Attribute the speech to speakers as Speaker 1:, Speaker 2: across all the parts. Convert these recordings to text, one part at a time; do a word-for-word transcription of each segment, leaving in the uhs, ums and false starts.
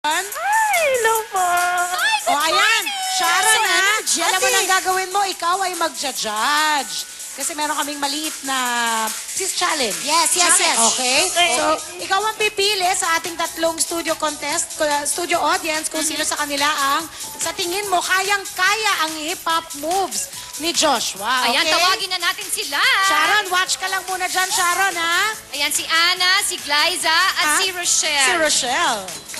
Speaker 1: Ay, hello po.
Speaker 2: O, ayan. Sharon, ha?
Speaker 3: energetic.
Speaker 2: Alam mo na ang gagawin mo, ikaw ay magja-judge. Kasi meron kaming maliit na sis challenge.
Speaker 3: Yes, yes, yes.
Speaker 2: Okay?
Speaker 1: Okay.
Speaker 2: So, ikaw ang pipili sa ating tatlong studio contest, uh, studio audience, kung sino sa kanila ang, sa tingin mo, kayang-kaya ang hip-hop moves ni Joshua. Okay?
Speaker 4: Ayan, tawagin na natin sila.
Speaker 2: Sharon, watch ka lang muna dyan, Sharon, ha?
Speaker 4: Ayan, si Ana, si Glyza, at
Speaker 2: Ha?
Speaker 4: si Rochelle.
Speaker 2: Si Rochelle.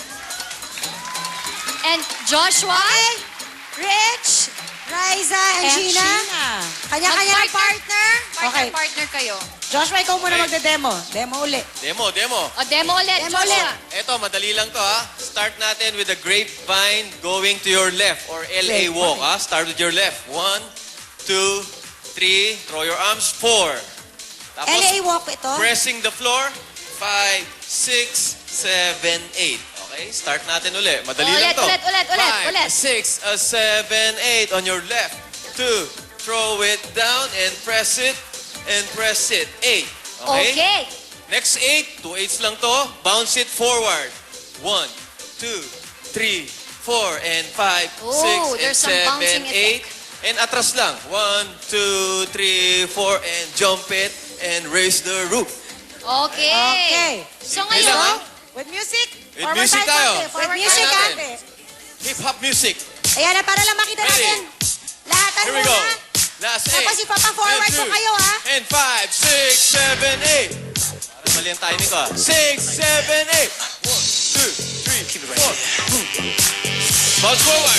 Speaker 4: And Joshua.
Speaker 3: Okay. Rich, Riza, and,
Speaker 2: And
Speaker 3: Gina.
Speaker 2: Gina.
Speaker 3: Kanya-kanya ng
Speaker 4: Mag-partner.
Speaker 3: partner.
Speaker 2: Okay.
Speaker 4: Partner-partner kayo.
Speaker 2: Joshua, ikaw muna
Speaker 5: Okay.
Speaker 2: magde-demo. Demo uli.
Speaker 5: Demo, demo.
Speaker 4: O, demo ulit,
Speaker 3: Demo
Speaker 4: Joshua.
Speaker 3: ulit.
Speaker 5: Eto, madali lang to ha. Start natin with the grapevine going to your left or L A walk ha. Start with your left. One, two, three. Throw your arms. Four. Tapos,
Speaker 3: L A walk ito.
Speaker 5: pressing the floor. Five, six, seven, eight. Okay, start natin uli. Madali
Speaker 4: Ulit,
Speaker 5: lang to.
Speaker 4: ulit, ulit, ulit,
Speaker 5: Five,
Speaker 4: ulit.
Speaker 5: six, uh, seven, eight. On your left. Two. Throw it down and press it. And press it. Eight.
Speaker 4: Okay.
Speaker 5: Next eight, two eights lang to. Bounce it forward. One, two, three, four, and five,
Speaker 4: Ooh,
Speaker 5: six, and
Speaker 4: there's some
Speaker 5: seven,
Speaker 4: bouncing
Speaker 5: eight. And atras lang. One, two, three, four, and jump it and raise the roof.
Speaker 4: Okay.
Speaker 2: Okay.
Speaker 4: So
Speaker 5: Simple lang,
Speaker 4: ngayon,
Speaker 5: ha?
Speaker 2: With music?
Speaker 5: With
Speaker 2: Forward
Speaker 5: music
Speaker 2: tayo,
Speaker 5: tayo.
Speaker 2: konti.
Speaker 3: With
Speaker 2: Forward
Speaker 3: music,
Speaker 2: tayo,
Speaker 5: ha?
Speaker 2: konti.
Speaker 5: Hip-hop music.
Speaker 3: Ayan na, para lang makita
Speaker 5: Ready?
Speaker 3: natin. Lahatan
Speaker 5: Here we
Speaker 3: muna.
Speaker 5: go. Last eight.
Speaker 3: Tapos ipapa-forward
Speaker 5: And
Speaker 3: ko
Speaker 5: two,
Speaker 3: kayo, ha?
Speaker 5: And five, six, seven, eight. Parang mali ang timing ko, ha? Six, seven, eight. One, two, three, four. Bounce forward.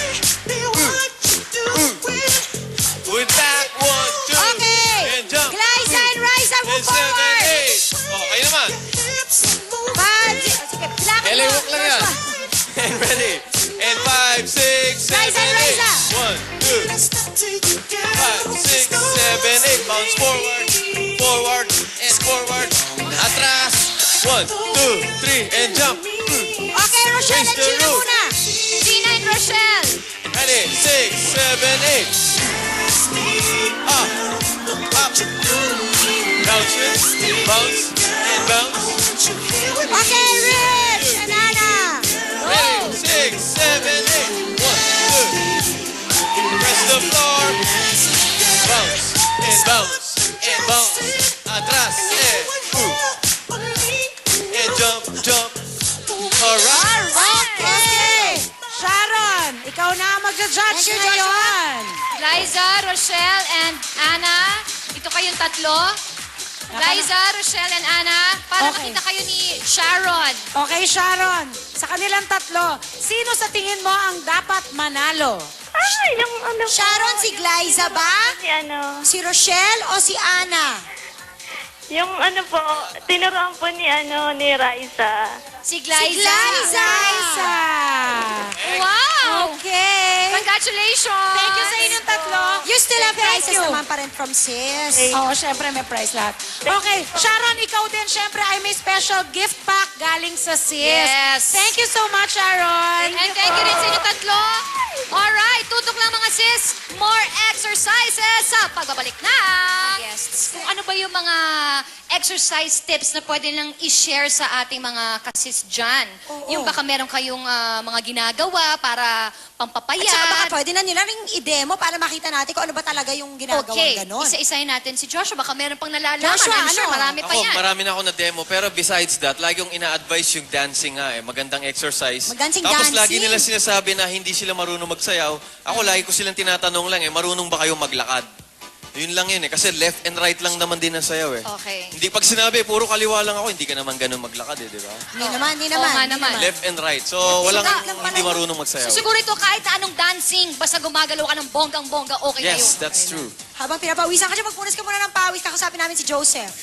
Speaker 5: With back, one, two.
Speaker 3: Okay.
Speaker 5: And jump.
Speaker 3: Glyza and Riza,
Speaker 5: And
Speaker 3: move
Speaker 5: seven,
Speaker 3: forward.
Speaker 5: eight. Oh, kayo naman.
Speaker 3: Five, si- sige, lakad
Speaker 5: L A
Speaker 3: mo,
Speaker 5: walk lang yan.
Speaker 3: Joshua.
Speaker 5: And ready. And five, six, seven,
Speaker 3: Riza,
Speaker 5: eight.
Speaker 3: Riza.
Speaker 5: One, two. Five, six, seven, eight. Bounce forward, forward, and forward. Atras. One, two, three, and jump.
Speaker 3: Okay, Rochelle
Speaker 5: Raise
Speaker 3: and
Speaker 5: the
Speaker 3: Gina
Speaker 5: roof.
Speaker 3: muna.
Speaker 4: Gina and Rochelle.
Speaker 5: Ready? Six, seven, eight. Up, up. Bounce it, bounce, and bounce.
Speaker 3: Okay, Rich and Anna.
Speaker 5: Ready? Six, seven, eight. One, two. Press the floor. Bounce, and bounce, and bounce. Atras, and move. And jump, jump. Alright.
Speaker 3: Okay.
Speaker 2: Sharon, ikaw na ang magja-judge
Speaker 3: Thank you,
Speaker 2: ngayon.
Speaker 4: Glyza, Rochelle, and Ana. Ito kayong tatlo. Glyza, Rochelle, and Ana. Para
Speaker 2: Okay.
Speaker 4: makita kayo ni Sharon.
Speaker 2: Okay, Sharon. Sa kanilang tatlo, sino sa tingin mo ang dapat manalo?
Speaker 1: Ay, yung ano po.
Speaker 3: Sharon, si Glyza ba?
Speaker 1: Si ano,
Speaker 3: Si Rochelle o si Ana?
Speaker 1: yung ano po, tinuruan po ni ano, ni Raisa.
Speaker 4: Si
Speaker 3: Si
Speaker 4: Glyza.
Speaker 3: Glyza.
Speaker 4: Wow!
Speaker 3: Okay.
Speaker 4: Congratulations!
Speaker 2: Thank you sa inyong tatlo.
Speaker 3: You still have
Speaker 2: Thank
Speaker 3: prizes
Speaker 2: you.
Speaker 3: naman pa rin from sis.
Speaker 2: Oo, syempre may prize lahat. Okay, Sharon, ikaw din syempre ay may special gift pack galing sa sis.
Speaker 4: Yes.
Speaker 2: Thank you so much, Sharon.
Speaker 4: And thank you rin sa inyong tatlo. Alright, tutok lang mga sis. More exercises sa pagbabalik na. Guests. Kung ano ba yung mga exercise tips na pwede lang i-share sa ating mga kasis dyan.
Speaker 3: Oo.
Speaker 4: Yung baka meron kayong ah, mga ginagawa para pampapayat.
Speaker 3: At saka baka pwede na nila ring i-demo para makita natin kung ano ba talaga yung ginagawang
Speaker 4: Okay,
Speaker 3: ganon.
Speaker 4: isa-isahin natin si Joshua. Baka meron pang nalalaman.
Speaker 3: Joshua,
Speaker 4: I'm sure
Speaker 3: ano?
Speaker 4: marami pa
Speaker 5: Ako,
Speaker 4: yan.
Speaker 5: marami na ako na demo. Pero besides that, lagi yung ina-advise yung dancing nga eh. Magandang exercise.
Speaker 3: Mag-dancing,
Speaker 5: Tapos
Speaker 3: dancing.
Speaker 5: lagi nila sinasabi na hindi sila marunong magsayaw. Ako lagi ko silang tinatanong lang eh, marunong ba kayo maglakad? Yun lang yun eh. Kasi left and right lang naman din ang sayaw eh.
Speaker 4: Okay.
Speaker 5: Hindi pag sinabi, puro kaliwa lang ako, hindi ka naman ganun maglakad eh, di ba?
Speaker 3: Hindi naman, hindi
Speaker 4: Oo
Speaker 3: naman.
Speaker 4: nga
Speaker 3: hindi
Speaker 4: naman.
Speaker 5: Left and right. So, walang
Speaker 3: lang pala
Speaker 5: hindi
Speaker 3: yun.
Speaker 5: marunong magsayaw.
Speaker 4: So siguro ito kahit na anong dancing, basta gumagalaw ka ng bonggang-bongga, okay na yun.
Speaker 5: Yes, that's true.
Speaker 3: Habang pinapawisan ka dyan, magpunas ka muna ng pawis. Kakasapin namin si Joseph.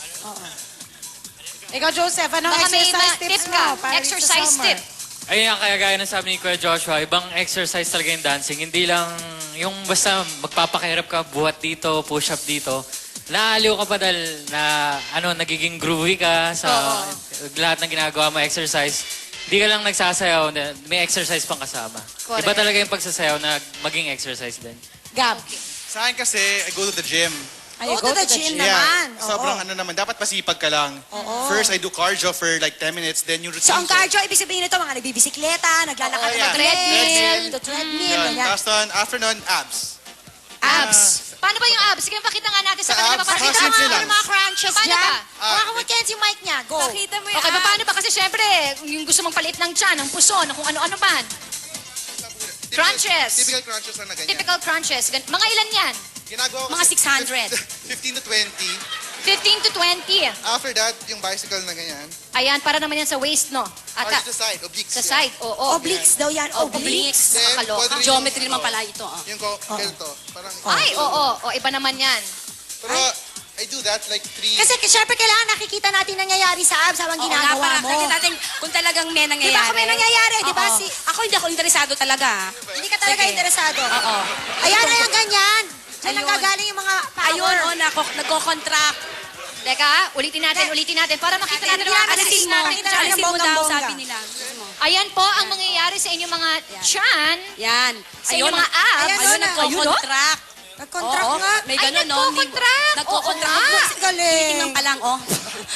Speaker 2: Ikaw, Joseph, anong
Speaker 4: Baka may
Speaker 2: exercise
Speaker 4: ma-
Speaker 2: tips
Speaker 4: tip
Speaker 2: mo?
Speaker 4: ka.
Speaker 2: para dito sa
Speaker 4: Exercise
Speaker 2: summer?
Speaker 4: tip.
Speaker 6: Ayun nga, kaya gaya ng sabi ni Kuya Joshua, ibang exercise talaga yung dancing. Hindi lang yung basta magpapakahirap ka, buhat dito, push up dito. Naaliw ka pa dahil na ano, nagiging groovy ka sa lahat ng ginagawa mo, exercise. Hindi ka lang nagsasayaw, may exercise pang kasama.
Speaker 4: Correct.
Speaker 6: Iba talaga yung pagsasayaw na maging exercise din.
Speaker 2: Gab.
Speaker 7: Sa akin kasi, I go to the gym.
Speaker 2: Ay,
Speaker 3: Go to the gym
Speaker 7: Yeah,
Speaker 3: naman.
Speaker 7: sobrang ano naman, dapat masipag ka lang. First, I do cardio for like ten minutes, then yung routine
Speaker 3: So, ang
Speaker 7: ko.
Speaker 3: cardio, ibig sabihin nito, mga nagbibisikleta, naglalakad
Speaker 7: Oo,
Speaker 3: ng
Speaker 7: yeah.
Speaker 3: treadmill,
Speaker 7: Treadmill.
Speaker 3: to treadmill,
Speaker 7: Yun.
Speaker 3: ganyan.
Speaker 7: Tapos nun, after nun, abs.
Speaker 3: Abs.
Speaker 4: Paano ba yung abs? Sige, pakita nga natin sa
Speaker 7: Sa
Speaker 4: kanila.
Speaker 7: abs,
Speaker 4: Papakita
Speaker 7: mga
Speaker 4: mo.
Speaker 7: simple
Speaker 3: Ano
Speaker 7: lang.
Speaker 3: yung mga crunches
Speaker 4: Paano
Speaker 3: dyan?
Speaker 4: ba?
Speaker 3: Hawakan mo, Kenzie, yung mic niya. Go.
Speaker 8: Pakita mo yung
Speaker 4: Okay,
Speaker 8: abs.
Speaker 4: paano ba? Kasi syempre, yung gusto mong palit ng tiyan, ng puso, ng kung ano-ano man. Crunches.
Speaker 7: Typical crunches lang na ganyan.
Speaker 4: Typical crunches. Gan- Mga ilan yan?
Speaker 7: Ginagawa ko
Speaker 3: Mga
Speaker 7: kasi
Speaker 3: six hundred.
Speaker 7: fifteen to twenty.
Speaker 4: fifteen to twenty.
Speaker 7: After that, yung bicycle na ganyan.
Speaker 4: Ayan, para naman yan sa waist, no?
Speaker 7: Or
Speaker 4: Ata,
Speaker 7: to the side, obliques.
Speaker 4: sa
Speaker 7: yeah.
Speaker 4: side, oo.
Speaker 3: Obliques daw yan. Obliques.
Speaker 7: Then,
Speaker 4: Nakakaloka.
Speaker 7: pwede rin
Speaker 3: Geometry
Speaker 7: yung,
Speaker 3: naman
Speaker 7: oh,
Speaker 3: pala ito. ah.
Speaker 7: Yung ko, ganito. Parang,
Speaker 4: Ay, oo. O, iba naman yan.
Speaker 7: Pero, I do that like three.
Speaker 3: Kasi syempre kailangan nakikita natin nangyayari sa abs habang
Speaker 9: Oo nga,
Speaker 3: ginagawa
Speaker 9: para
Speaker 3: mo.
Speaker 9: nakita natin kung talagang may nangyayari.
Speaker 3: Di ba kung may nangyayari, di ba?
Speaker 9: Oo.
Speaker 3: Si,
Speaker 9: Ako hindi ako interesado talaga. ah.
Speaker 3: hindi ka talaga
Speaker 9: Sige.
Speaker 3: interesado.
Speaker 9: Oo.
Speaker 3: Ayan, ayan, ganyan. Diyan
Speaker 9: Ayun.
Speaker 3: nanggagaling yung mga power.
Speaker 9: Ayun, oh, nako, nagko-contract.
Speaker 4: Teka, ulitin natin, ulitin natin. Para makita natin ang
Speaker 3: Alisin
Speaker 4: alisin
Speaker 3: mo.
Speaker 4: natin.
Speaker 3: Alisin
Speaker 9: Alisin mo daw,
Speaker 3: bonggang-bongga.
Speaker 9: sabi nila. Gusto mo.
Speaker 4: Ayan po ang mangyayari sa inyong mga tiyan.
Speaker 9: Yan.
Speaker 4: Sa inyong mga abs.
Speaker 3: Ayan,
Speaker 9: Ayun,
Speaker 3: Ayun, oh.
Speaker 9: nagko-contract.
Speaker 3: Nag-contract
Speaker 9: Oo,
Speaker 3: nga.
Speaker 9: may
Speaker 4: Ay,
Speaker 9: ganun, no?
Speaker 4: nagko-contract.
Speaker 9: Nagko-contract.
Speaker 4: Oo nga.
Speaker 3: Galing.
Speaker 9: Tinitingnan pa lang, oh.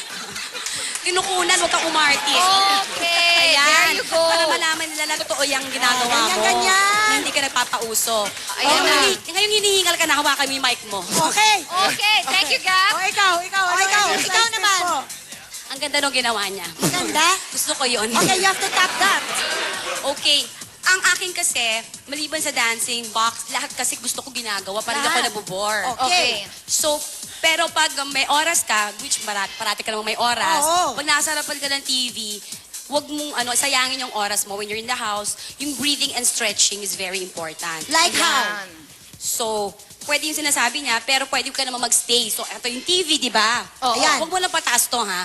Speaker 9: Kinukunan, huwag kang umartis.
Speaker 4: Okay, there you go.
Speaker 9: Para malaman nila na totoo yung ginagawa
Speaker 3: Ganyan,
Speaker 9: mo.
Speaker 3: ganyan.
Speaker 9: Na hindi ka nagpapauso.
Speaker 4: Ayan
Speaker 9: Ngayong
Speaker 4: na.
Speaker 9: hini- Ngayong hinihingal ka na, hawakan mo yung mic mo.
Speaker 3: Okay.
Speaker 4: Okay, thank you, Gab.
Speaker 3: O, ikaw, ikaw.
Speaker 9: Oh,
Speaker 3: O,
Speaker 9: ano
Speaker 3: ikaw,
Speaker 9: yung
Speaker 3: ikaw
Speaker 9: exercise
Speaker 3: naman.
Speaker 9: mo? Ang ganda nung ginawa niya.
Speaker 3: Ganda.
Speaker 9: Gusto ko yun.
Speaker 3: Okay, you have to tap that.
Speaker 9: Okay. Ang akin kasi, maliban sa dancing, box, lahat kasi gusto ko ginagawa. Parang hindi ako
Speaker 3: Lahat.
Speaker 9: nabobore.
Speaker 4: Okay.
Speaker 9: So, pero pag may oras ka, which parati, parati ka naman may oras,
Speaker 3: Oo.
Speaker 9: pag nasa harapan ka ng T V, wag mong ano, sayangin yung oras mo when you're in the house. Yung breathing and stretching is very important.
Speaker 3: Like how?
Speaker 9: So, pwede yung sinasabi niya, pero pwede ka naman magstay. So, ito yung T V, di ba?
Speaker 4: Oo.
Speaker 9: Ayan. Huwag mo lang pataas to, ha?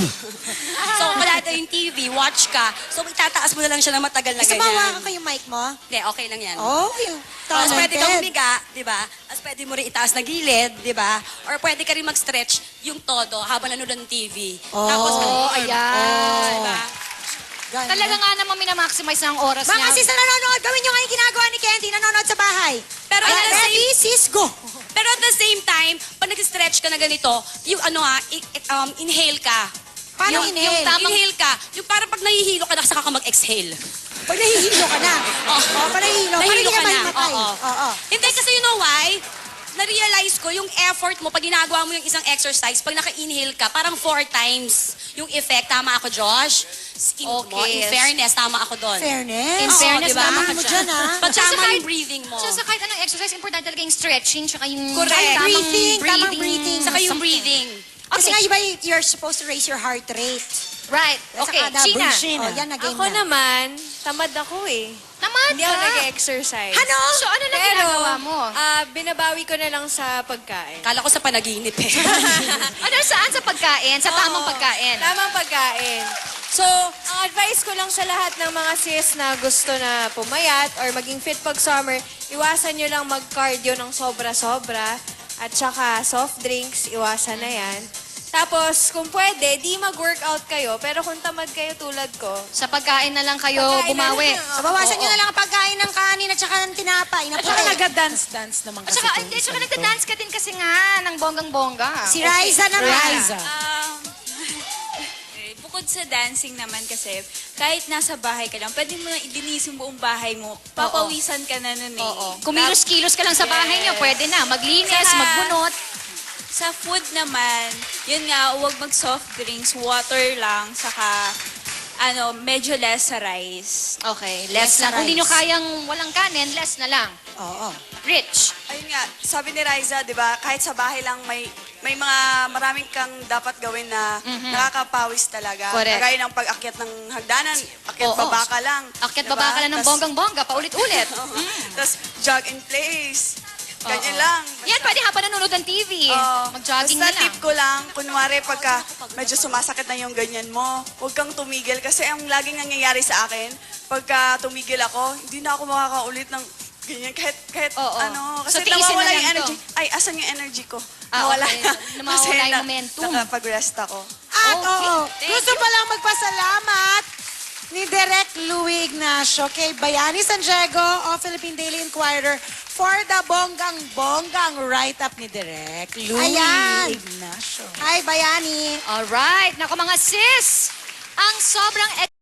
Speaker 9: so, wala ito yung T V, watch ka. So, itataas mo na lang siya ng matagal na
Speaker 3: Gusto mo
Speaker 9: ganyan.
Speaker 3: hawakan ko yung mic mo?
Speaker 9: Hindi, okay lang yan.
Speaker 3: Oh, yung
Speaker 9: Tapos
Speaker 3: talented.
Speaker 9: pwede kang humiga, di ba? Tapos pwede mo rin itaas na gilid, di ba? Or pwede ka rin mag-stretch yung todo habang nanonood ng T V.
Speaker 3: Oh.
Speaker 9: Tapos,
Speaker 4: Oh,
Speaker 9: ganun.
Speaker 4: ayan.
Speaker 9: Di ba?
Speaker 3: Ganyan.
Speaker 4: Talaga nga naman minamaximize na ang oras
Speaker 3: Mga
Speaker 4: niya.
Speaker 3: sis na nanonood, gawin nyo nga yung ginagawa ni Kenzie, nanonood sa bahay.
Speaker 9: Pero at the
Speaker 3: Ready,
Speaker 9: same,
Speaker 3: sis, go.
Speaker 9: pero at the same time, pag nag-stretch ka na ganito, yung ano ha, i- i- um, inhale ka.
Speaker 3: Paano
Speaker 9: yung,
Speaker 3: inhale?
Speaker 9: Yung tamang inhale ka. Yung parang pag nahihilo ka na, saka ka mag-exhale.
Speaker 3: Pag nahihilo ka na.
Speaker 9: Oh,
Speaker 3: Oh, pag nahihilo, parang hindi ka
Speaker 9: na.
Speaker 3: mahimatay.
Speaker 9: Oo.
Speaker 3: Oo.
Speaker 9: Hindi kasi you know why? Na-realize ko yung effort mo pag ginagawa mo yung isang exercise, pag naka-inhale ka, parang four times yung effect. Tama ako, Josh? In,
Speaker 4: Okay.
Speaker 9: mo, in fairness, tama ako doon.
Speaker 3: Fairness.
Speaker 4: In
Speaker 3: Oo,
Speaker 4: fairness,
Speaker 3: diba?
Speaker 4: tama
Speaker 3: Ano
Speaker 4: ka
Speaker 3: mo
Speaker 4: dyan.
Speaker 3: dyan, ha?
Speaker 9: Pag
Speaker 4: Tsaka
Speaker 9: tama
Speaker 4: kahit-
Speaker 9: yung breathing mo.
Speaker 4: So, sa kahit anong exercise, importante talaga yung stretching, tsaka yung
Speaker 9: Correct.
Speaker 4: tamang
Speaker 3: Breathing, tamang breathing.
Speaker 9: Saka yung
Speaker 4: something.
Speaker 9: breathing.
Speaker 3: Kasi
Speaker 4: Okay.
Speaker 3: nga, iba, you're supposed to raise your heart rate.
Speaker 4: Right. Okay,
Speaker 3: Saka
Speaker 4: China.
Speaker 3: Oh, yan, na-game
Speaker 8: Ako
Speaker 3: na.
Speaker 8: naman, tamad ako eh.
Speaker 4: Naman
Speaker 8: Hindi ako
Speaker 4: ka.
Speaker 8: nag-exercise.
Speaker 3: Ano?
Speaker 4: So, ano na
Speaker 8: Pero,
Speaker 4: ginagawa mo?
Speaker 8: ah, binabawi ko na lang sa pagkain.
Speaker 9: Kala ko sa panaginip eh.
Speaker 4: Ano, saan sa pagkain? Sa tamang
Speaker 8: Oo,
Speaker 4: pagkain?
Speaker 8: Tamang pagkain. So, ang advice ko lang sa lahat ng mga sis na gusto na pumayat or maging fit pag summer, iwasan nyo lang mag-cardio ng sobra-sobra at saka soft drinks, iwasan na yan. Tapos, kung pwede, di mag-workout kayo, pero kung tamad kayo tulad ko,
Speaker 4: Sa pagkain na lang kayo
Speaker 8: Pagkain na
Speaker 4: bumawi.
Speaker 8: lang.
Speaker 3: So, bawasan nyo na lang ang pagkain ng kanin at saka ng tinapay. Na
Speaker 2: At saka nag-dance-dance naman
Speaker 4: At
Speaker 2: kasi.
Speaker 4: saka,
Speaker 2: to.
Speaker 4: hindi, saka nagda-dance ka din kasi nga ng bonggang-bongga.
Speaker 3: Si Riza naman.
Speaker 2: Riza.
Speaker 10: Um, eh, bukod sa dancing naman kasi, kahit nasa bahay ka lang, pwede mo na ilinis yung buong bahay mo. Papawisan ka na nun eh.
Speaker 4: Oo. Kumilos-kilos ka lang sa bahay niyo, pwede na. Maglinis,
Speaker 10: Saka-
Speaker 4: magbunot.
Speaker 10: Sa food naman, yun nga, huwag mag-soft drinks, water lang, saka ano, medyo less sa rice.
Speaker 4: Okay, less
Speaker 3: Less
Speaker 4: lang.
Speaker 3: na
Speaker 4: Kung di nyo
Speaker 3: rice.
Speaker 4: kayang walang kanin, less na lang.
Speaker 3: Oo.
Speaker 4: Rich.
Speaker 11: Ayun nga, sabi ni Riza, di ba, kahit sa bahay lang may may mga maraming kang dapat gawin na nakakapawis talaga.
Speaker 4: Correct.
Speaker 11: Kagaya ng pag-akyat ng hagdanan, akyat
Speaker 4: Oo.
Speaker 11: baba ka lang.
Speaker 4: Akyat
Speaker 11: Diba?
Speaker 4: baba ka lang ng
Speaker 11: Tas-
Speaker 4: bonggang-bongga, paulit-ulit.
Speaker 11: Tapos jog in place. Ganyan
Speaker 4: Oo.
Speaker 11: lang.
Speaker 4: Yan, pwede habang nanonood ng T V.
Speaker 11: Oo.
Speaker 4: Mag-jogging
Speaker 11: Basta
Speaker 4: na lang.
Speaker 11: tip ko lang, kunwari pagka medyo sumasakit na yung ganyan mo, huwag kang tumigil. Kasi ang laging nangyayari sa akin, pagka tumigil ako, hindi na ako makakaulit ng ganyan. Kahit, kahit
Speaker 4: Oo.
Speaker 11: ano,
Speaker 4: So,
Speaker 11: kasi
Speaker 4: tiisin
Speaker 11: nawawala
Speaker 4: na
Speaker 11: yung
Speaker 4: lang to.
Speaker 11: energy. Ay, asan yung energy ko?
Speaker 4: Ah,
Speaker 11: Nawala
Speaker 4: okay.
Speaker 11: na.
Speaker 4: Nawawala
Speaker 11: Kasi
Speaker 4: yung
Speaker 11: na-
Speaker 4: momentum.
Speaker 11: Nakapag-rest ako.
Speaker 2: At
Speaker 4: Okay.
Speaker 2: oo,
Speaker 4: Thank
Speaker 2: gusto
Speaker 4: you.
Speaker 2: pa lang magpasalamat ni Direk Louie Ignacio kay Bayani San Diego o Philippine Daily Inquirer for the bonggang-bonggang write-up ni Direk Louie
Speaker 3: Ayan.
Speaker 2: Ignacio.
Speaker 3: Hi, Bayani.
Speaker 4: Alright. Naku mga sis, ang sobrang